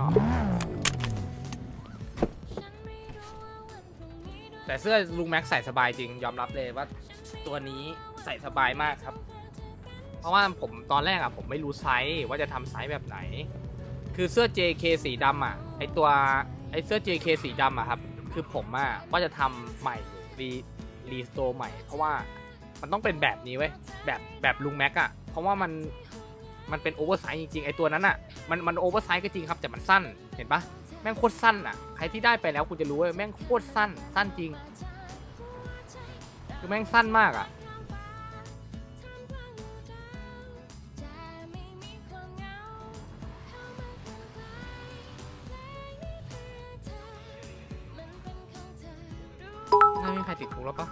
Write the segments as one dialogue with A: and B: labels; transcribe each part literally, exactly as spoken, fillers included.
A: อแต่เสื้อลุงแม็กใส่สบายจริงยอมรับเลยว่าตัวนี้ใส่สบายมากครับ เพราะว่าผมตอนแรกอะผมไม่รู้ไซส์ว่าจะทำไซส์แบบไหนคือเสื้อ เจ เค สีดำอะไอตัวไอเสื้อ เจ เค สีดำอะครับคือผมอะว่าจะทำใหม่รีรีสโตร์ใหม่เพราะว่ามันต้องเป็นแบบนี้เว้ยแบบแบบลุงแม็กอะเพราะว่ามันมันเป็นโอเวอร์ไซส์จริงๆไอตัวนั้นอะมันมันโอเวอร์ไซส์ก็จริงครับแต่มันสั้นเห็นปะแม่งโคตรสั้นอะใครที่ได้ไปแล้วคุณจะรู้ว่าแม่งโคตรสั้นสั้นจริงคือแม่งสั้นมากอะไม่มีใครติดคุกแล้วปะ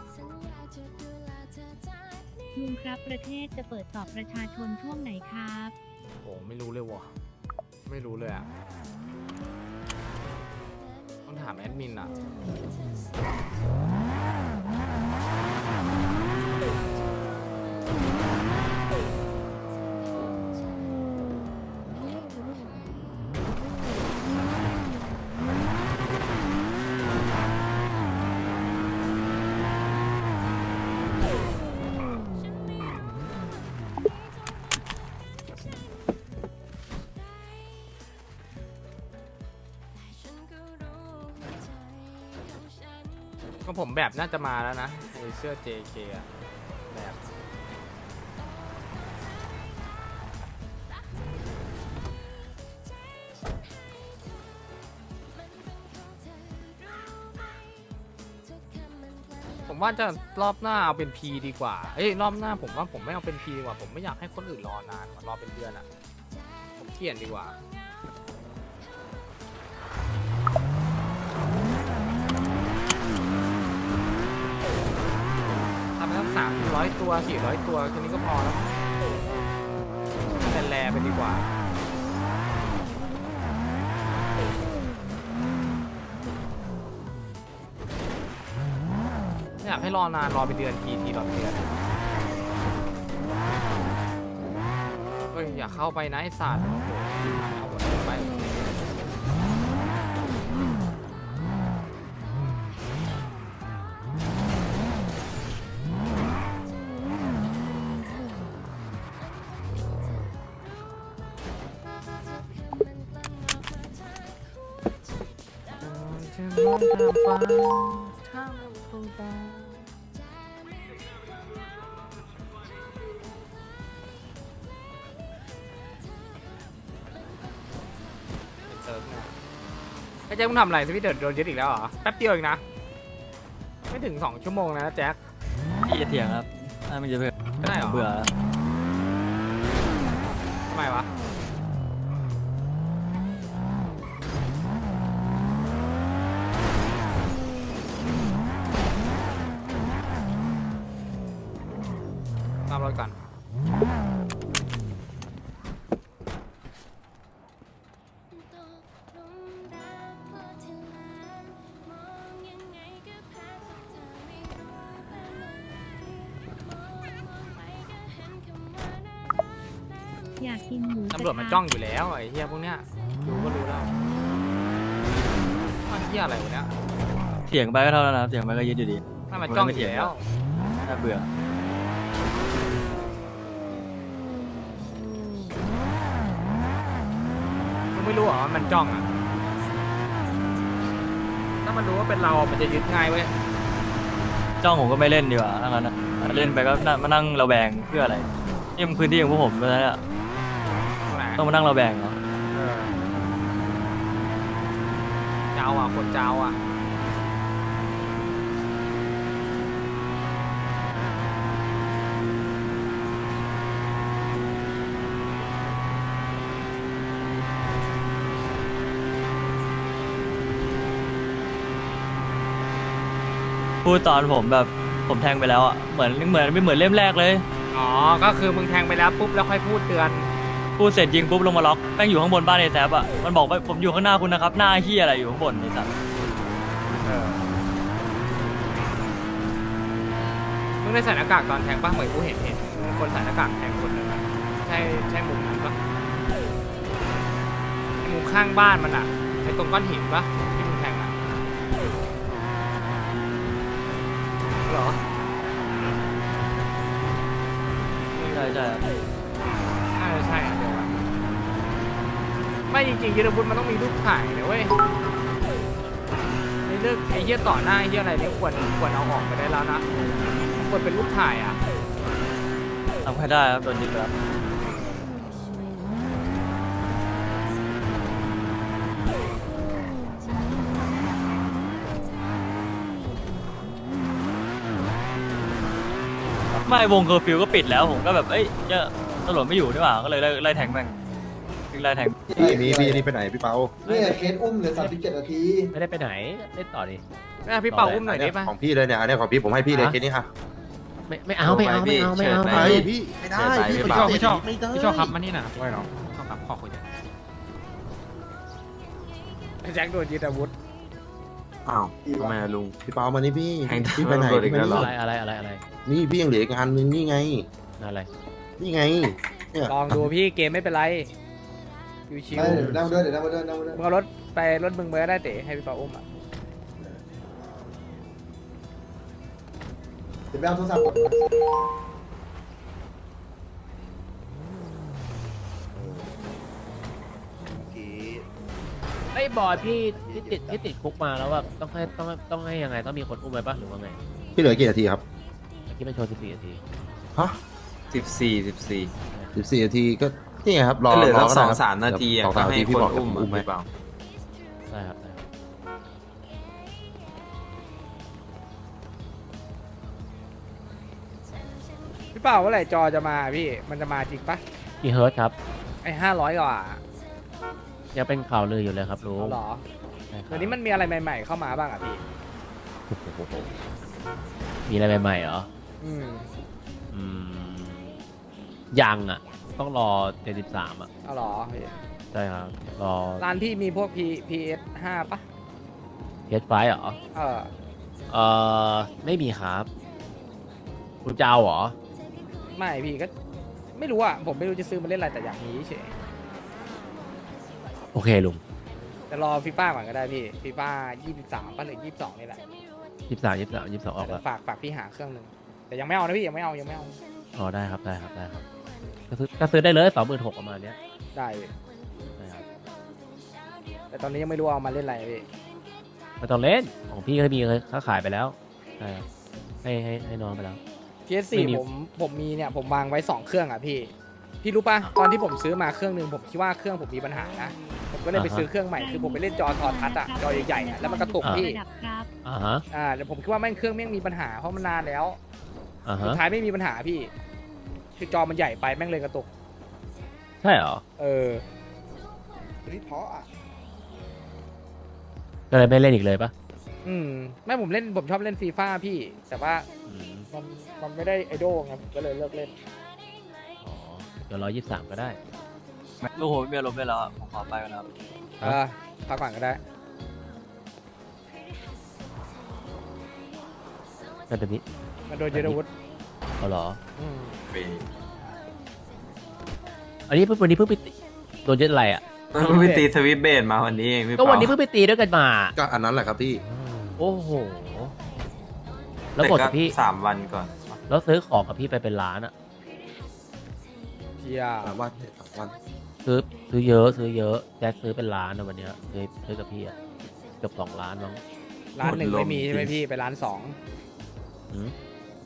B: ลุงครับประเทศจะเปิดสอบประชาชนช่วงไหนครับ
A: โอ้ไม่รู้เลยวะไม่รู้เลยอะต้องถามแอดมินอะก็ผมแบบน่าจะมาแล้วนะไอเสื้อ เจ เค อะแบบผมว่าจะรอบหน้าเอาเป็น P ดีกว่าเอ้ยรอบหน้าผมว่าผมไม่เอาเป็น P ดีกว่าผมไม่อยากให้คนอื่นรอนานรอเป็นเดือนอะผมเปลี่ยนดีกว่าทำไปตั้งสามร้อยตัวสี่ร้อยตัวแค่นี้ก็พอแล้วแลๆไปดีกว่าไม่อยากให้รอนานรอเป็นเดือนทีทีรอเป็นเดือนเฮ้ยอย่าเข้าไปนะไอ้สัตว์โอ้โหเอาหมดไปจะมองทางฟ้าถ้ามันคงตาเซิร์ฟนะไอ้แจ็คมึงทำอะไรสวิตเดอร์โดนยึดอีกแล้วเหรอแป๊บเดียวเองนะไม่ถึงสองชั่วโมงนะแจ็ค
C: พี่จะเถียงครับถ้ามันจะเบื่อ
A: ไม่ได้เหรอ
C: เบื่อแล้ว
A: ทำไมวะตามรถก่อน
B: อยากกินหมู
A: ตำรวจมันจ้องอยู่แล้วไอ้เหี้ยพวกเนี้ยดูก็รู้แล้วว่าเหี้ยอะไรวะเนี้ย
C: เถียงไปก็เท่านั้นนะครับเถียงไปก็ยึดอยู่ดี
A: ถ้ามันจ้องอยู่แล้ว
C: น่าเบื่อ
A: มึงไม่รู้เหรอว่ามันจ้องอ่ะถ้ามันรู้ว่าเป็นเรามันจะยึดง่ายเว้ย
C: จ้องผมก็ไม่เล่นดีกว่าถ้างั้นอะเล่นไปก็น่ามานั่งระแวงเพื่ออะไรนี่มันพื้นที่ของพวกผมเพราะฉะนั้นอะ
A: ตรงไหน
C: ต้องมานั่งระแวงเหรอ
A: เออเจ้าอ่ะคนเจ้าอ่ะ
C: พูดตอนผมแบบผมแทงไปแล้วอะเหมือนเหมือนไม่เหมือนเล่มแรกเลย
A: อ๋อก็คือมึงแทงไปแล้วปุ๊บแล้วค่อยพูดเตือน
C: พูดเสร็จยิงปุ๊บลงมาล็อกแม่งอยู่ข้างบนบ้านไอ้แซบอะมันบอกว่าผมอยู่ข้างหน้าคุณนะครับหน้าเฮียอะไรอยู่ข้างบนไอ้สัตว์
A: เออมึงได้ใส่หน้ากากตอนแทงป่ะเหมือนกูเห็นเห็นคนใส่หน้ากากแทงคนหนึ่งอะใช่ใช่มุมนั้นปะมมุมข้างบ้านมันอะไอ้ตรงก้อนหินปะที่มึงแทงอะเหรอ
C: ใช่ใช่
A: น่าจะใช่อะเดี๋ยวอะไม่จริงๆยุทธวุฒิมันต้องมีรูปถ่ายนะเว้ยไอ้เรื่องไอ้เหี้ยต่อหน้าไอ้เหี้ยอะไรนี่ควรควรเอาออกไปได้แล้วนะควรเป็นรูปถ่ายอะ
C: ทำให้ได้ครับโดนยึดไปแล้วไม่วงเคอร์ฟิวก็ปิดแล้วผมก็แบบเอ้ยเจ้าตำรวจไม่อยู่นี่หว่าก็เลยไล่ไล่แทงแม่งวิ่งไล่แทง
D: พี่มีพี่นี่ไปไหนพี่เปา
E: เนี่ยเคสอุ้มเหลือสามสิบเจ็ดนาที
F: ไม่ได้ไปไหนเล่นต่อดิ
A: แม่พี่เป่าอุ้มหน่อยได้ปะ
D: ของพี่เลยเนี่ยอันนี้ของพี่ผมให้พี่เลยเคสนี้ค่ะ
F: ไม่ไม่เอาไม่เอาไม่เอาไม่เอา
D: ไป
F: ไม่เอา
D: พี่ไม่ได้
G: พี่
D: พี่
G: ชอบพี่ชอบ
D: ไม่ได้
G: พี่ชอบครับมานี่นะไว้เนาะชอบครับขอคุยกัน
A: แจ็คโดนยึดอาวุธ
H: อ้าวทำไมอะลุง
D: พี่เปามานี่พี่
H: แทง
D: พี่ไปไหน
H: ตำรวจอี
D: พี่
H: ก
D: ไป
H: แล้วเหร
D: นี่
F: อะไรอะไรอะไรอะไร
D: นี่พี่ยังเหลืออีกอันนึงนี่ไง
F: อะไร
D: นี่ไงเนี่ย
A: ลองดูพี่เกมไม่เป็นไรชิว
E: ไม่เดี๋ยวนั่งมาด้วยเดี๋ยวนั่งมาด้วยนั่งมาด้วย
A: ๆมึงเอารถไปรถมึงไปก็ได้เต๋ให้พี่เป่าอุ้มอ่ะ
E: เดี๋ยวไปเอาโทรศัพท์ก่อน
F: ไอ้บอยพี่ที่ติดที่ติดคุกมาแล้วว่าต้องให้ต้องต้องให้ยังไงต้องมีคนอุ้มไปปะหรือว่าไง
D: พี่เหลือกี่นาทีครับ
F: เมื่อกี้มันโชว์สิบสี่นาที
D: ฮะ
H: สิบสี่สิบสี่
D: สิบสี่นาทีก็นี่ไงครับรอ
H: ก็เหลือ
D: ร
H: สัก
D: ก็
H: ส
D: ได้
H: อง
D: ครับ
H: สามนาทีอะ
D: สอง
H: ก็
D: สามนา
H: ให้
D: ที
H: ค
D: พี่
H: น
D: บอก
H: อุ้ม
D: อุ้มไหม
H: หรือเปล่า
F: ได้ครับได้ครับ
A: พี่เป่าเมื่อไหร่จอจะมาพี่มันจะมาจริงปะ
F: กี่เฮิร์ตซ์ครับ
A: ไอ้ห้าร้อยกว่า
F: ยังเป็นข่าวลืออยู่เลยครับลุง
A: เอาเหรอ
F: ใช่ครับ
A: เดี๋ยวนี้มันมีอะไรใหม่ๆเข้ามาบ้างอ่ะพี่
F: โอ้โหมีอะไรใหม่ๆเหรอ
A: อืม
F: อืมยังอ่ะ ต้องรอเจ็ดสิบสามอ่ะ
A: เอาเหรอพี่
F: ใช่ครับรอ
A: ร้านพี่มีพวก P พี เอส ห้าปะ
F: เทสไฟเหรอ
A: เออ
F: เอ่อไม่มีครับคุณจะเอาเหรอ
A: ไม่พี่ก็ไม่รู้อ่ะผมไม่รู้จะซื้อมาเล่นอะไรแต่อยากมีเฉย
F: โอเคลุง
A: แต่รอฟีฟ่าก่อนก็ได้พี่ฟีฟ่ายี่สิบสามป่ะหรือยี่สิบสองนี่แหละ
F: ยี่สิบสามยี่สิบสามยี่สิบสองออก
A: แต่
F: แล้ว
A: ฝากฝากพี่หาเครื่องหนึ่งแต่ยังไม่เอานะพี่ยังไม่เอายังไม่เอา
F: อ๋อได้ครับได้ครับได้ครับก็ซื้อก็ซื้อได้เลยสองหมื่นหกประมาณเนี้ย
A: ได้พี่
F: ได้ครับ
A: แต่ตอนนี้ยังไม่รู้เอามาเล่นอะไรพี่
F: ไม่ต้องเล่นของพี่ก็มีค้าขายไปแล้วใช่ครับให้ให้ให้น้องไปแล้ว
A: พีเอส
F: ไม่
A: สี่
F: มี
A: ผมผมมีเนี่ยผมวางไว้สองเครื่องอ่ะพี่ พี่รู้ป่ะตอนที่ผมซื้อมาเครื่องหนึ่งผมคิดว่าเครื่องผมมีปัญหานะผมก็เลยไปซื้อเครื่องใหม่คือผมไปเล่นจอทอทัศน์อ่ะจอใหญ่ๆอ่ะแล้วมันกระตุกพี่
B: ระดับครับ
F: อ่าฮะ
A: อ่าแต่ผมคิดว่าแม่งเครื่องแม่งมีปัญหาเพราะมันนานแล้ว
F: อ่า
A: สุ
F: ฮะ
A: ดท้ายไม่มีปัญหาพี่ คือจอมันใหญ่ไปแม่งเลยกระตุก
F: ใช่เหรอ
A: เออ
E: นี่เพราะอ่ะ
F: ก็เลยไม่เล่นอีกเลยปะ
A: อืมไม่ผมเล่นผมชอบเล่นฟีฟ่าพี่ แต่ว่า
F: อืม
A: มันมันไม่ได้ไอดอลไงผมก็เลยเลิกเล่น
F: อ๋อเดี๋ยวร้อยยี่สิบสามก็ได้
C: ลูกผมไม่มีอารมณ์ด้วยแล้วอะผมขอไปก่อนนะครับ
A: เออพักก่อนก็ได้
F: แต่แบบนี้
A: มันโดนยึดอาวุธ
F: เอาเหรอ
A: อืม
F: อันนี้เพิ่งวันนี้เพิ่งไปตีโดนยึดอะไรอ่ะ
H: เพิ่งไปตีสวิตช์เบสมาวันนี้เองพี่
F: ก็
H: เปา
F: วันนี้เพิ่งไปตีด้วยกันมา
D: ก็อันนั้นแหละครับพี่
F: โอ้โหแล้ว
H: แต่
F: กด
H: ก็
F: กับพี่
H: สามวันก่อน
F: แล้วซื้อของกับพี่ไปเป็นล้านอ่ะ
A: เพีย
D: สามวันสามวัน
F: ซื้อซื้อเยอะซื้อเยอะแจ็คซื้อเป็นล้านนะวันเนี้ยซื้อซื้อกับพี่อ่ะเกือบสองล้านมั้ง
A: ร้านหนึ่งไม่มีใช่ไหมพี่ไปร้านสอง
F: หืม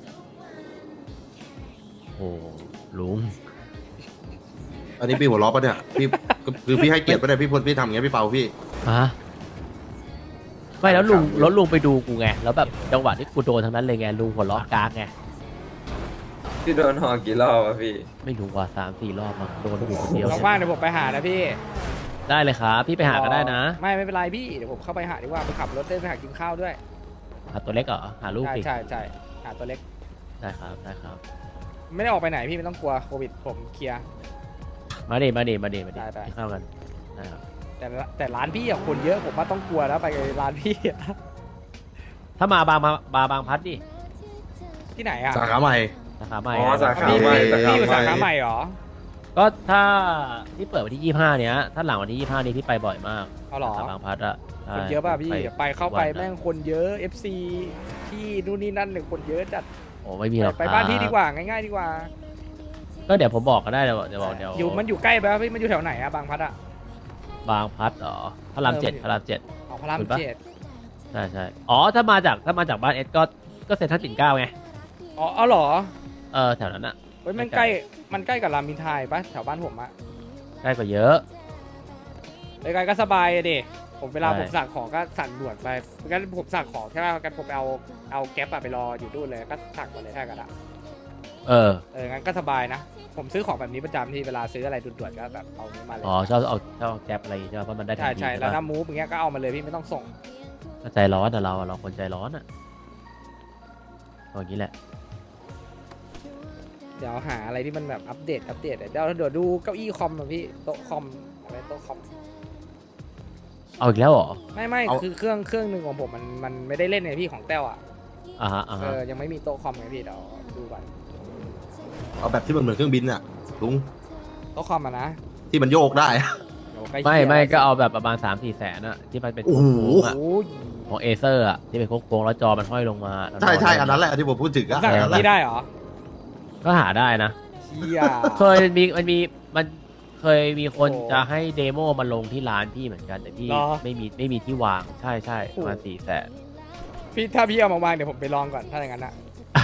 F: โอ้ลุง
D: อันนี้พี่หัวล้อปะเนี่ยพี่คือพี่ให้เกียรติปะเนี่ยพี่พลพี่ทำอย่างเงี้ยพี่เปาพี่
F: ฮะไม่แล้วลุงแล้วลุงไปดูกูไงแล้วแบบจังหวะที่กูโดนทั้งนั้นเลยไงลุงหัวล้อกากไง
H: พี่โดนหอกี่รอบอะพี่
F: ไม่รู้ว่าสามสี่รอบมั้งโดนอยู่คนเดียว
A: ว่างๆเดี๋ยวผมไปหานะพี่
F: ได้เลยครับพี่ไปหาก็ได้นะ
A: ไม่ไม่เป็นไรพี่เดี๋ยวผมเข้าไปหาดีกว่าไปขับรถเล่นไปหากินข้าวด้วย
F: หาตัวเล็กเหรอหาลูก
A: ใช่
F: สิ
A: ใช่ใช่หาตัวเล็ก
F: ได้ครับได้ครับ
A: ไม่ได้ออกไปไหนพี่ไม่ต้องกลัวโควิดผมเคลียร์
F: มาดิมาดิมาดิมาดิ
A: ได้ได้
F: กินข้าวกันได้ครับ
A: แต่ละแต่ร้านพี่อะคนเยอะผมว่าต้องกลัวแล้วไปร้านพี่อะ
F: ถ้ามาบางมาบาบางพัดดิ
A: ที่ไหนอะ
D: สาขาใหม่
F: สาขาใหม่
H: อ๋อสาขา
A: พี่
H: ใหม่
A: พี่
H: สาขา
A: พี่อยู่
H: ใหม่
A: สาขาใหม่เหรอ
F: ใก็ถ้าที่เปิดวันที่ยี่ห้าเนี้ยถ้าหลังวันที่ยี่ห้านี้พี่ไปบ่อยมาก
A: เอาเหรอ
F: สามบางพัดอะใช่
A: คนเยอะป่ะพี่ ไปเข้าไป
F: ทุกวันอะ
A: แม่งคนเยอะ เอฟ ซี ที่นู่นนี่นั่นเนี่ยคนเยอะจัด
F: โอ้ไม่มีหรอก
A: ไป
F: ครับ
A: บ้านพี่ดีกว่าง่ายๆดีกว่า
F: ก็เดี๋ยวผมบอกก็ได้เดี๋ยวเดี๋ยวบอกเดี๋ยว
A: อยู่มันอยู่ใกล้ไปปะพี่มันอยู่แถวไหนอะบางพัดอะ
F: บางพัดเหรอพระรามเจ็ด
A: เออ
F: พระรามเจ็ด
A: ออกพระราม
F: ถูกปะ
A: เจ็ด
F: ใช่ใช่อ๋อถ้ามาจากถ้ามาจากบ้านเอสก็ก็เซ็นทรัลปิ่นเกล้าไง
A: อ๋อเอาเหรอ
F: เออแถวนั้นอะ
A: เฮ้ยมัน
F: ไม่ไก
A: ใก
F: ล
A: ล้มันใกล้กับรามอินทราปะแถวบ้านผมอะ
F: ใกล้กว่าเยอะ
A: ใกล้ๆก็สบายอะดิผมเวลา
F: ใช่
A: ผมสั่งของก็สั่งด่วนไปงั้นผมสั่งของใช่ป่ะงั้นผมไปเอาเอาแก๊ปอะไปรออยู่นู่นเลยก็สั่งมาเลยถ้ากันอะ
F: เออ
A: เอองั้นก็สบายนะ ผมซื้อของแบบนี้ประจำที่เวลาซื้ออะไรด่วนๆก็แบบเอานี้มาเลย
F: อ๋อชอบเอาชอบเอาแก๊ปอะไรอย่างงี้ใช่ไหมเพราะมันได้ทั
A: ใช่
F: นที
A: ใช่
F: ใช่
A: แล้ว
F: ปะ
A: น้ำมูฟอย่างเงี้ยก็เอามาเลยพี่ไม่ต้องส่ง
F: ก็ใจร้อนอะเราอะเราคนใจร้อนอะเอาอย่างนี้แหละ
A: เดี๋ยวหาอะไรที่มันแบบอัปเดตอัปเดตเดี๋ยวเดี๋ยวดูเก้าอี้คอมอะพี่โต๊ะคอมอะไรโต๊ะคอม
F: เอาอีกแล้วเหรอ
A: ไม่ไม่
D: เอา
A: คือเครื่องเครื่องหนึ่งของผมมันมันไม่ได้เล่นไงพี่ของแต้วอ่ะ
F: อ่าฮะอ่า
A: เอ
F: ฮะ
A: อยังไม่มีโต๊ะคอมไงพี่เดี๋ยวดูก่อน
D: เอาแบบที่มันเหมือนเครื่องบินอะลุง
A: โต๊ะคอมอะนะ
D: ที่มันโยกได้อะ
A: เดี๋ยวใกล้
F: ไม่
A: เคียง
F: ไม่ก็เอาแบบประมาณสามสี่แสนอะที่มันเป็น
D: โอ้โห
F: โค้งๆอะ
A: โอ้ย
F: ของเอเซอร์อะที่เป็นโค้งๆแล้วจอมันห้อยลงมาแล้ว
D: ใช่ใช่
F: น
D: อันนั้นแหละที่ผมพูดถึงอะ
A: สั่ง
D: อัน
A: แบ
D: นั้
A: บ
D: นแห
A: นี้
D: ละ
A: ได้เหรอ
F: ก็หาได้นะ
A: เชี่ย
F: เคยมีมันมีมันเคยมีคน
A: โอ้
F: จะให้เดโมมาลงที่ร้านพี่เหมือนกันแต่พี่
A: เหรอ
F: ไม่มีไม่มีที่วางใช่ใช่ประมาณ
A: โอ้
F: สี่แสน
A: พี่ถ้าพี่เอามาวางเดี๋ยวผมไปลองก่อนถ้าอย่างนั้นอะ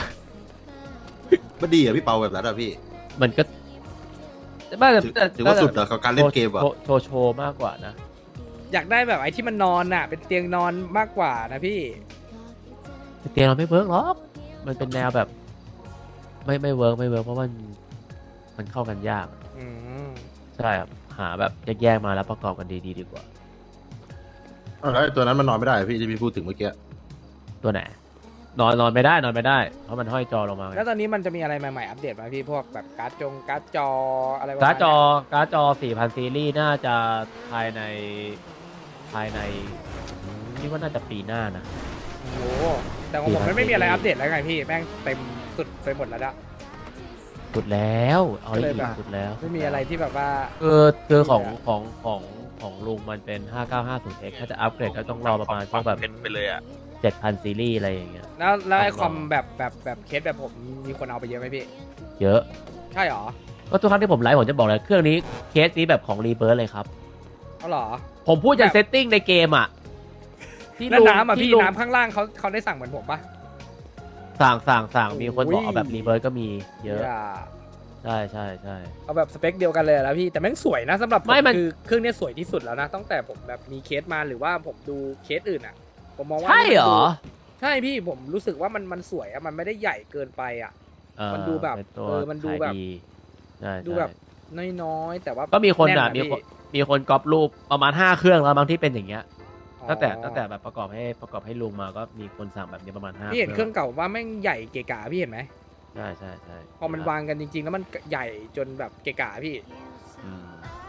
D: มันดีอะพี่เปาแบบนั้นอะพี่
F: มันก็ไม่แต่
D: ถือ
F: แต่
D: ถือว่าสุดอะกับการเล่นเกมอะ
F: โชว์โชว์โชว์มากกว่านะ
A: อยากได้แบบไอ้ที่มันนอนอะเป็นเตียงนอนมากกว่านะพี่
F: แต่เตียงเราไม่เวิร์กหรอกมันเป็นแนวแบบ ไม่ไม่เวิร์กไม่เวิร์กเพราะมันมันเข้ากันยาก
A: อืม
F: ใช่ครับหาแบบแยกๆมาแล้วประกอบกันดีๆดีกว่า
D: เอาแล้วไอ้ตัวนั้นมันนอนไม่ได้อะพี่ที่พี่พูดถึงเมื่อกี้
F: ตัวไหนนอนนอนไม่ได้นอนไม่ได้ เพราะมันห้อยจอลงมาไง
A: แล้วตอนนี้มันจะมีอะไรใหม่ๆอัปเดตไหมพี่พวกแบบการ์ดจงการ์ดจออะไรประมณ
F: การ์ดจอ
A: เนี้ย
F: การ์ดจอ สี่พัน ซีรีส์น่าจะภายในภายในคิดว่าน่าจะปีหน้านะ
A: โอ้โหแต่ของผมมันไม่มีอะไรอัปเดตแล้วไงพี่แม่งเต็มสุดไปหมดแล้วอะ
F: สุดแล้วเอา
A: ก็เลย
F: อีก
A: แบบ
F: สุดแล้ว
A: ไม่มีอะไรที่แบบว่า
F: คือคือของ
A: ไม่มีอะ
F: ของของของลุงมันเป็น ห้าเก้าห้าศูนย์เอ็กซ์ ถ้าจะอัปเกรดก็ต้องรอประมาณพวกแบบ
I: ไปเลยอ่ะ
F: เจ็ดพัน ซีรีส์อะไรอย่างเงี้ย
A: แล้วแล้วไอ้
F: ต้อง
A: ค
F: รอ
A: อมแบบแบบแบบเคสแบบผมมีคนเอาไปเยอะไหมพี่
F: เยอะ
A: ใช่หรอ
F: ก็ทุกครั้งที่ผมไลฟ์ผมจะบอกเลยเครื่องนี้เคสนี้แบบของรีเบิร์เลยครับ
A: เอาเหรอ
F: ผมพูดจาก
A: แบบ
F: เซตติ้งในเกมอ่ะที่
A: แล้ว
F: ลุง
A: น้ำอ่ะ
F: ที่
A: พี่
F: ลุง
A: น้ำข้างล่างเขาเขาได้สั่งเหมือนผมปะ
F: สั่งสั่งสั่งมีคนบอก
A: โอ้ย
F: เอาแบบรีเบิร์ก็มีเยอะ
A: อย่า
F: ใช่ใช่ใช่
A: เอาแบบสเปคเดียวกันเลยแล้วพี่แต่แม่งสวยนะสำหรับผ
F: ไม่มัน
A: คือเครื่องเนี้ยสวยที่สุดแล้วนะตั้งแต่ผมแบบมีเคสมาหรือว่าผมดูเคสอื่นอ่ะ ผมมองว่า
F: ใช่เหรอ
A: ใช่พี่ผมรู้สึกว่ามันมันสวยอะมันไม่ได้ใหญ่เกินไปอะ
F: เออ
A: มันดูแบบ
F: เป็นตัว
A: เออมันดูแบบ
F: ขายใช่
A: ดู
F: ใช่
A: แบบน้อยๆแต่ว่า
F: ก็มีคนอ่ะ
A: แ
F: มีคน
A: พี่
F: มีคนก๊อปรูปประมาณห้าเครื่องแล้วบางที่เป็นอย่างเงี้ย
A: อ๋อ
F: ตั้งแต่ตั้งแต่แบบประกอบให้ประกอบให้ลุงมาก็มีคนสั่งแบบนี้ประมาณห้า
A: พี่เห็นเครื่องเก่าว่าแม่งใหญ่เกะกะพี่เห็นไหม
F: ใช่ใช่ใช่
A: พอมันวางกันจริงๆ แล้วมันใหญ่จนแบบเกะกะพี่
F: อืม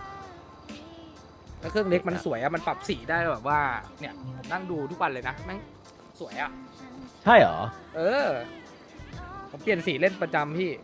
A: แล้วเครื่องเล็กมันสวยอะมันปรับสีได้แบบว่าเนี่ยผมนั่งดูทุกวันเลยนะแม่งสวยอะ
F: ใช่เหรอ
A: เออผมเปลี่ยนสีเล่นประจำพี่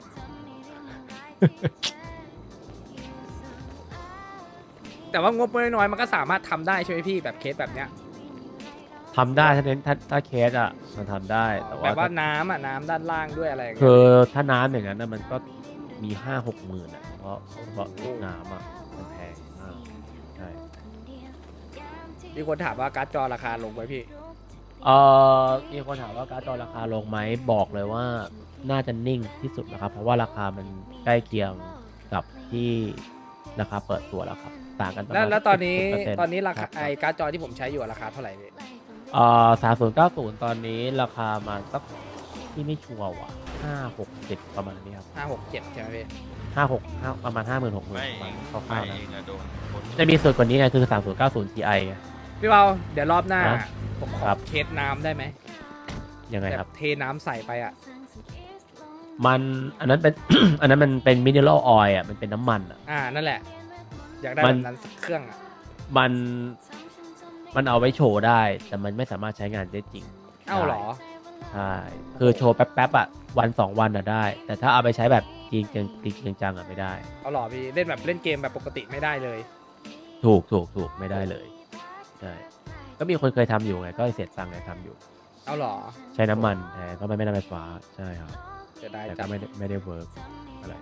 A: แต่ว่างบน้อยๆมันก็สามารถทำได้ใช่ไหมพี่แบบเคสแบบเนี้ย
F: ทำได้ถ้าเน้นถ้าถ้าเคสอ่ะมันทำได้แต่
A: แบบว่า
F: ว่า
A: น้ำอ่ะน้ำด้านล่างด้วยอะไรอย่างเงี้ย
F: คือถ้าน้ำอย่างนั้นนะมันก็มีห้าหกหมื่นอ่ะเพราะเพราะลูกน้ำอ่ะมันแพงมากใช่
A: มีคนถามว่าการ์ดจอราคาลงไหมพี่
F: เออมีคนถามว่าการ์ดจอราคาลงไหมบอกเลยว่าน่าจะนิ่งที่สุดนะครับ เพราะว่าราคามันใกล้เคียงกับที่ราคาเปิดตัวแล้วครับต่างกันประ
A: แล้ว
F: มาณ
A: แล้วตอนนี้
F: สิบเปร์เซ็ต์
A: ตอนนี้ราคา
F: บ
A: ไอการ์ดจอที่ผมใช้อยู่อะราคาเท่าไหร่พี่
F: เอ่อสามศูนย์เก้าศูนย์ตอนนี้ราคามาสักที่ไม่ชัวร์ว่ะห้าหกเจ็ดประมาณนี้ครับ
A: ห้าหกเจ็ดใช่ไหมพี่
F: ห้าหกห้าประมาณห้าหมื่นหกหมื่น
I: ไม่
F: ประมาณค
I: ไม่
F: ร่าวๆนะ
I: เองอะโดนโดน
F: จะมีส่วนกว่านี้ไงคือสามศูนย์เก้าศูนย์ ที ไอ
A: พี่เบาเดี๋ยวรอบหน้า
F: ฮะ
A: ผมข
F: ค
A: อ
F: รับ
A: เคสน้ำได้ไหม
F: ยังไง
A: แบ
F: ครับ
A: บเทน้ำใส่ไปอ่ะ
F: มันอันนั้นเป็น อันนั้นมันเป็นมิเนอรัลออยล์อ่ะมันเป็นน้ำมันอ่ะ
A: อ่านั่นแหละ อยากได้
F: มั
A: แบ
F: น
A: บนั้นสักเครื่องอ่ะ
F: มันมันเอาไว้โชว์ได้ แต่มันไม่สามารถใช้งานได้จริง
A: เอ้าเหรอ
F: ใช่คือโชว์แป๊บๆอ่ะวันสองวันอ่ะได้ แต่ถ้าเอาไปใช้แบบจริงจังจริงจริงจังอ่ะไม่ได้
A: เอาหรอพี่เล่นแบบเล่นเกมแบบปกติไม่ได้เลย
F: ถูกถูกถูกไม่ได้เลยใช่ก็มีคนเคยทำอยู่ไงก็เสียตังค์ไงทำอยู่
A: เอาหรอ
F: ใช้น้ำมันแทนก็ไม่ไม่น้ำไฟฟ้าใช่ครับ
A: จะได้
F: แต่
A: จั
F: ก็
A: บ
F: ไม่ได้ไม่ได้เวิร์กอะไร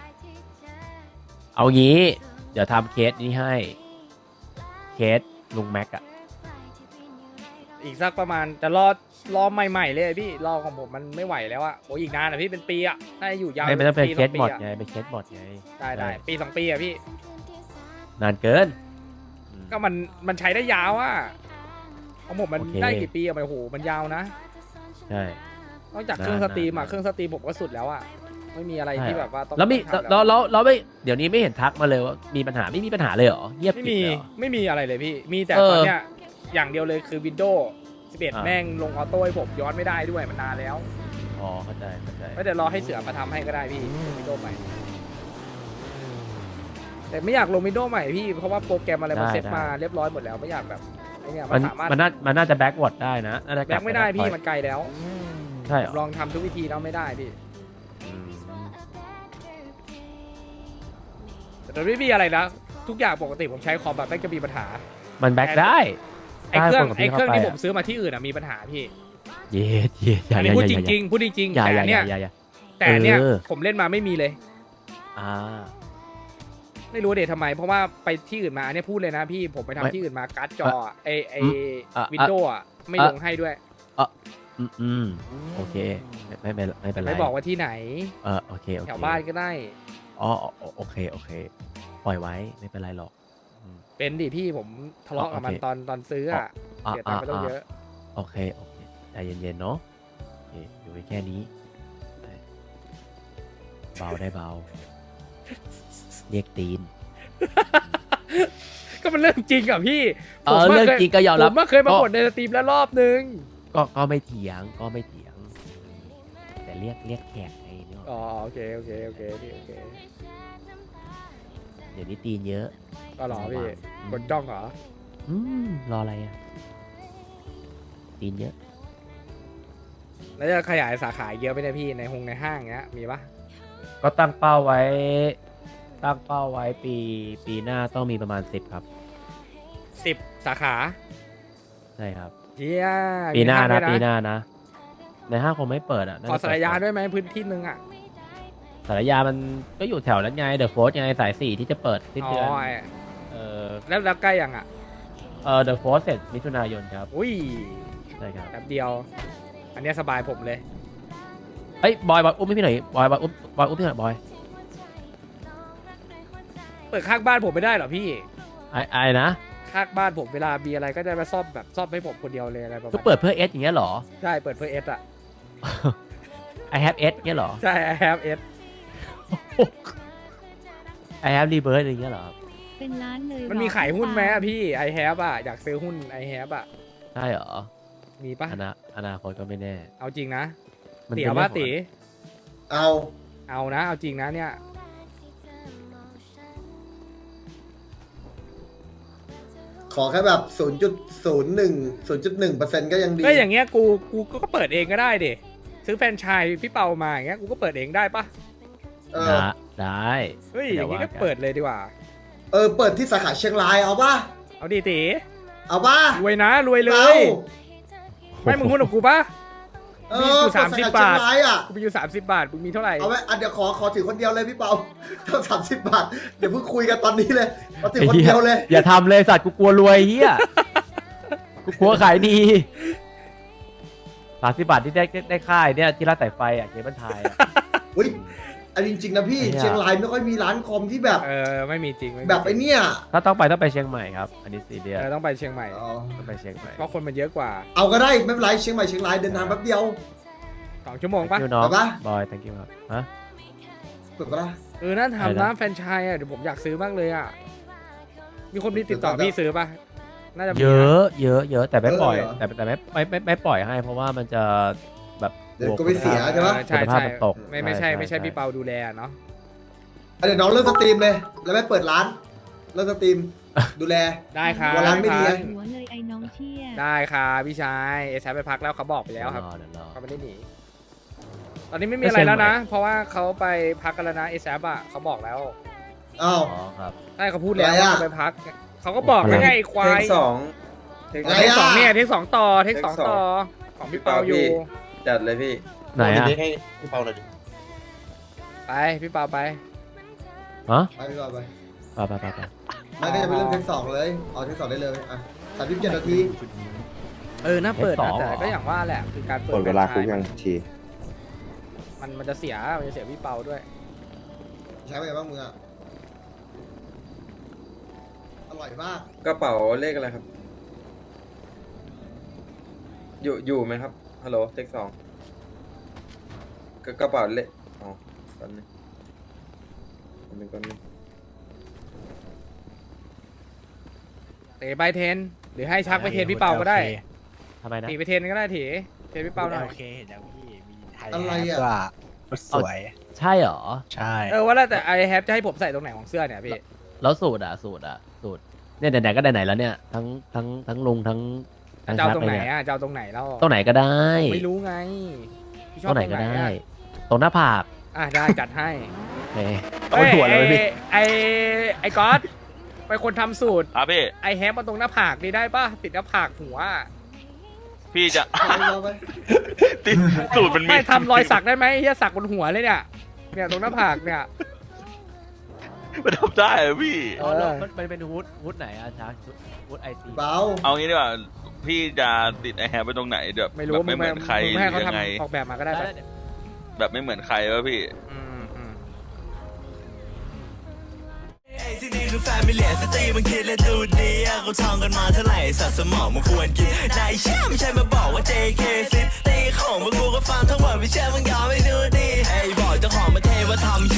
F: เอางี้ เดี๋ยวทำเคสนี้ให้เคสลุงแม็กอะ
A: อีกสักประมาณจะรอรอใหม่ๆเลยพี่รอของผมมันไม่ไหวแล้วอะโอ้ยอีกนานอะพี่เป็นปีอะน่าจะอยู่ยาว
F: ไม่ไม่ต้องเป็น
A: ปี
F: เค
A: ส
F: ส
A: ปี
F: หมด
A: อะ
F: ไงเป็นเคสหมดไง
A: ได้ได้
F: ใช่
A: ปีสองปีอะพี่
F: นานเกินอืม
A: ก็มันมันใช้ได้ยาวอะของผมมัน
F: โอเค
A: ได้กี่ปีอะมันโอ้โหมันยาวนะ
F: ใช่
A: นอกจากเครื่องส
F: นาน
A: ตรีมอะ
F: นาน
A: เครื่องสตรีมผมก็สุดแล้วอะไม่มีอะไรที่แบบว่าต้อง
F: แล้วมี
A: ต้องทำ
F: แล้วแล้วแล้วไม่เดี๋ยวนี้ไม่เห็นทักมาเลยว่ามีปัญหาไม่มีปัญหาเลยเหรอเงียบ
A: ไม่
F: กริบ
A: มี
F: เลยเหรอ
A: ไม่มีอะไรเลยพี่ มีแต่
F: เออ
A: ตอนเนี้ยอย่างเดียวเลยคือ Windows สิบเอ็ด
F: อ่า
A: แม่งลงออโต้ให้ผมย้อนไม่ได้ด้วยมันนานแล้ว
F: อ๋อเข้าใจเข้าใจ
A: ไม่เดี๋ยวรอให้เสือมาทำให้ก็ได้พี่ Windows ใหม่ แต่ไม่อยากลง Windows ใหม่พี่เพราะว่าโปรแกรมอะไรมัน
F: ได้
A: เซ็ต
F: ได้
A: มาเรียบร้อยหมดแล้วไม่อยากแบบไอ้เนี่ยมั
F: มัน
A: นสามารถ
F: มันน่ามันน่าจะแบ็กวอร์ดได้นะน่าจะก
A: แบ
F: ลับ
A: กไม่ได้
F: ป
A: พี่
F: ปล่อย
A: มันไกลแล้ว
F: ใช่เหรอ
A: ลองทำทุกวิธีแล้วไม่ได้พี่
F: อืม
A: แต่ไม่มีอะไรนะทุกอย่างปกติผมใช้คอมแบบไม่จะมีปัญหา
F: มันแบ็กได้
A: ไอ้เครื่อง
F: ได้
A: ไอ้เครื่อง
F: ข้า
A: ที่
F: ไป
A: ผมซื้อมาที่อื่นอะมีปัญหาพี่
F: เย็ดเย็ดอย่า
A: อัน
F: อ
A: นี้
F: ย่า
A: พูด
F: อ
A: จ
F: ย่า
A: ริงๆพูดจริงๆ
F: อย่า
A: แต่
F: อย่า
A: เนี่ย
F: อย่าอย่า
A: แต่เนี่ย
F: เออ
A: ผมเล่นมาไม่มีเลย
F: อ่า
A: ไม่รู้เดททำไม เพราะว่าไปที่อื่นมาอันนี้พูดเลยนะพี่ผมไปทำ
F: ไม่
A: ที่อื่นมาการ์ดจออะไอไอ
F: อืมอ่ะ
A: วินโดว์อะไม่
F: อ่ะ
A: ลงให้ด้วย
F: อืมอืมโอเคไม่ไม่ไม่เป็นไร
A: ไม่บอกว่าที่ไหน
F: เออโอเคโอเค
A: แถวบ้านก็ได้
F: อ๋ออ๋อโอเคโอเค ปล่อยไว้ไม่เป็นไรหรอกอืม
A: เป็นดิพี่ผมทะเลาะกับมัน
F: โอเค
A: ตอนตอนซื้ออะ
F: อ่ะ
A: เสียตังค์ไปต้อง
F: อ่ะ
A: เยอะ
F: โอเคโอเคใจเย็นๆเนาะโอเคอยู่ในแค่นี้ได้เบาได้เบาเรียกตีน
A: ก็มันเรื่องจริงอะพี่
F: เออ
A: ผม
F: เรื่อง
A: คย
F: จริงก็ยอม
A: ผ
F: รับ
A: มมาเคยมาบ่นในสตรีมแล้วรอบนึง
F: ก็ก็ไม่เถียงก็ไม่เถียง แต่เรียกเรียกแขกไงเนาะ
A: อ๋อโอเคโอเคโอเคพี่โอเค
F: เดี๋ยวนี้ตีนเยอะ
A: ก็รอพี่
F: ระวัง
A: กดจ้องเหรอ
F: อืมรออะไรอ่ะตีนเยอะ
A: แล้วจะขยายสาขาเยอะไปเนี่ยพี่ในหงในห้างเงี้ยมีปะ
F: ก็ตั้งเป้าไว้ ตั้งเป้าไว้ปีปีหน้าต้องมีประมาณสิบครับ
A: สิบสาขา
F: ใช่ครับ
A: เฮีย
F: ปีหน้า
A: มี
F: นะ
A: ห้ง
F: ปี
A: ด้วย
F: หน้านะ ในห้างคงไม่เปิดอ่ะน่
A: ขอ
F: จะ
A: สารยา
F: เปิ
A: ด้วยไหมพื้นที่นึงอ่ะ
F: สารยามันก็อยู่แถวนั้นไงเดอะโฟร์ไงสายสี่ที่จะเปิดสิ้น
A: อ๋อ
F: เดือน
A: ไอ้
F: เออ
A: แล้วแล้วใกล้ยังอ่ะ
F: เออเดอะโฟร์เสร็จมิถุนายนครับ
A: อุ้ย
F: ใช่ครับ
A: แป๊บเดียว อันเนี้ยสบายผมเลย
F: เอ้ยบอยบอยอุ้มให้พี่หน่อยบอยบอยอุ้มบอยอุ้มพี่หน่อยบอย
A: เปิดข้างบ้านผมไม่ได้เหรอพี่
F: ไอ้ไอ้นะ
A: ข้างบ้านผมเวลามีอะไรก็จะมาซ่อมแบบซ่อมให้ผมคนเดียวเลยอะไรประมาณ
F: ก็เปิดเพื่อเอสอย่างเงี้ยเหรอ
A: ใช่เปิดเพื่อเอสอ่ะ
F: I have S เงี้ยเหรอ
A: ใช่ I have S
F: I have rebirth อย่างเงี้ยเหรอ
B: เป็นล้านเลย
A: มันมี
B: หรอ
A: ขายหุ้นไหม
B: พี่
A: อะพี่ I have อ่ะอยากซื้อหุ้น I have อ่ะ
F: ใช่เหรอ
A: มีปะ
F: อนาอนาคตก็ไม่แน่
A: เอาจริงนะ
F: มัน
A: ตี
F: เป็น
A: เอา
F: เรื่
A: ว่า
F: องของ
A: ตี
E: เอา
A: เอานะเอาจริงนะเนี่ย
E: ขอแค่แบบศูนย์จุดศูนย์หนึ่งศูนย์จุดหนึ่งเปอร์เซ็นต์ก็ยังดี
A: ก็อย่างเงี้ยกูกูก็เปิดเองก็ได้ดิซื้อแฟรนไชส์พี่เปามาอย่างเงี้ยกูก็เปิดเองได้ปะ
E: เออ
F: ได้ได้
A: เฮ้ยอ
F: ดี๋
A: ย่างงี้
F: ว่
A: ก็เปิดเลยดีกว่า
E: เออเปิดที่สาขาเชียงรายเอาป่ะ
A: เอาดีตี
E: เอาป่ะ
A: รวยนะรวยเล
E: เอา
A: ย ไม่มึงหุ้นกับกูปะ
E: เอ
A: มี
E: อ
A: อยู่
E: เปิด
A: สามสิบ
E: สขเชีย
A: บาท
E: งรายอ่ะ
A: กูมีอยู่สามสิบบาทมึงมีเท่าไหร่
E: เอาไว้อ่ะเดี๋ยวขอขอถือคนเดียวเลยพี่เปา เท่าสามสิบบาทเดี๋ยวเพิ่งคุยกันตอนนี้เลยเอาถือคนเดียวเลย
F: อย่าทำเลยสัตว์กูกลัวรวยเฮียกูกลัวขายดีสามสิบบาทที่ได้ได้ค่ายเนี่ยที่ร้านสายไฟอ่ะเกมบันทายอ่ะ
E: อุ้ยอันจริงๆนะพี่
F: ไอ้เหี้ย
E: เชียงรายไม่ค่อยมีร้านคอมที่แบบ
A: เออไม่มีจริงม่มี
E: แบบไอ้
A: จริง
E: เนี่ย
F: ถ้าต้องไปต้องไปเชียงใหม่ครับ อันนี้ซีเรียส
A: เออต้องไปเชียงใหม่
E: อ๋อ
F: ต้องไปเชียงใหม่
A: เพราะคนมันเยอะกว่า
E: เอาก็ได้ไม่เป็นไรเชียงใหม่เชียงรายเดินทางแป๊บเดียว
A: สองชั่วโมงปะ
F: Thank you น้อง
E: ไปปะ
F: บอย thank you ครับฮะ
E: ถูกปะล่ะ
A: เออน่า
F: อะไร
A: ทำ
F: นะ
A: นะแฟรนไชส์อ่ะเดี๋ยวผมอยากซื้อมากเลยอ่ะมีคนมีติดต่อพี่ซื้อปะน่าจะมีน
F: เยอะเยอะเยอะแต่ไม่ปล่อย
E: เออเหรอ
F: แต่แต่ไม่ไม่ไม่ไม่ปล่อยให้ เพราะว่ามันจะแบบ
E: เดี๋ยวก็ไม่เสียใช่ปะ
A: เออใช่
F: คุณภาพ
A: ใช่
F: มันตก
A: ไม่ไม่ใช่
F: ใช่
A: ไม่ใช่
F: ใช่
A: พี่เปาดูแลเนาะ
E: อ่ะเดี๋ยวน้องเริ่มสตรีมเลย แล้วไม่เปิดร้านเริ่มสตรีมดูแล
A: ได้ครับ
E: หัวร้านไม่ดี
A: ค
E: ไง
A: รับ
B: หัวเลยไอ้น้องเชี่ย
A: ได้ครับพี่ชายเอซไปพักแล้วเขาบอกไปแล้วครับ
F: เดี๋ยวรอเดี๋ยวรอ
A: เขาไม่ได้หนีตอนนี้ไม่มีอะไรแล้วนะ เพราะว่าเขาไปพักกันแล้วนะเอแซบอะเขาบอกแล้ว
E: อ้าว
F: อ๋อครับ
A: ใช่เขาพูดแล้ว
E: อะไรอะ
A: ว่าไปพักเขาก็บอกแล้วไงไอ้ควา
H: เท
A: ย
H: คสองเทค
E: อะไร
A: เทค
E: อะ
A: สองเนี่ยเทคสองต่อเทคสอง
H: เทคสอง
A: ต่อของพี่เปาอยู่
H: จัดเลยพี่
F: ไหนอะ
D: เด็กให้พี่เปาหน่อยดิ
A: ไปพี่เปาไป
F: ฮะ
E: ไปพี่เปาไป
F: ไปไปไปไป
E: ไม่ก็จะไปเริ่มเทคสองเลยเอาเทคสองได้เลยอ่ะสามสิบเจ็ดนาที
A: เออน่าเปิดนะแต่ก็อย่างว่าแหละคือการเปิด
I: หมดเวลาคุกยังที
A: มันมันจะเสียมันจะเสียพี่เปาด้วย
E: ใช้ไปบ้างมึงอ่ะอร่อยมาก
H: กระเป๋าเลขอะไรครับ อยู่อยู่ไหมครับฮัลโหลเทคสองกระกระเป๋าเลขอ๋อแป๊บนึงแป๊บนึงแป๊บนึง
A: เตะไปเทนหรือให้ชักไปเทนพี่เปาก็ได้
F: ทำไมนะ
A: ถีไปเทนก็ได้ถีเทนพี่เปาหน่อย
I: โอเคเห็นยังพี่มีไทย
E: อะไรอ่ะ
I: ก็สวย
F: ใช่เหรอ
I: ใช่
A: เออว่าแล้วแต่ไอแฮปจะให้ผมใส่ตรงไหนของเสื้อเนี่ยพี่
F: แล้วสูตรอ่ะสูตรอ่ะสูตรเนี่ยไหนๆก็ไหนๆแล้วเนี่ยทั้งทั้งทั้งลุงทั้งทั้ง
A: จะเอา
F: ชัก
A: ตรงไหน
F: เลยเนี่ย
A: อ่ะจะเอาตรงไหนแล้ว
F: ตรงไหนก็ได้
A: ไม่รู้ไงพี่ช
F: ต
A: อ
F: ร
A: บ
F: งไหนก็
A: ตรง
F: ได้
A: อะ
F: ตรงหน้าผาก
A: อ่ะได้จัดให้
F: โอเคเอาถั่วเลยไหมพี่
A: ไอไอก๊อตไปคนทำสูตร
J: ครับพี่
A: ไอแฮปมาตรงหน้าผากนี่ได้ป่ะติดหน้าผากหัว
J: พี่จะ
E: เอาไปเอาไป
J: ติดสูตรมันมี
A: ไม่ทำรอยสักได้ไหมเฮียสักบนหัวเลยเนี่ยเนี่ยตรงหน้าผากเนี่ย
J: มันทำได้เหรอพี่
F: อ๋อแล้วมันมันเป็นฮูดฮูดไหนอ่ะชักฮูดไอซี
E: เปา
J: เอางี้ดีกว่าพี่จะติดไอแฮปไปตรงไหนแบบ
A: ไม่รู้
J: แบบไม่เหมือนใคร
A: มึง
J: ห
A: ให้
J: รือ
A: เขา
J: ยังไง
A: ทำออกแบบมาก็ได้ปะ
J: แบบไม่เหมือนใครวะพี่
A: อืมอืม
K: ที่นี่คือแฟมิเลียสตรีมันคิดและดูดีอะเขาท่องกันมาเท่าไหร่สัตว์สมองมันควรกินนายเชื่อไม่ใช่มาบอกว่า เจ เค ซิตีของพวกกูก็ฟังทั้งหมดไม่เชื่อมึงยอมไม่ดูดีไอ้บอกเจ้าของประเทศว่าทำ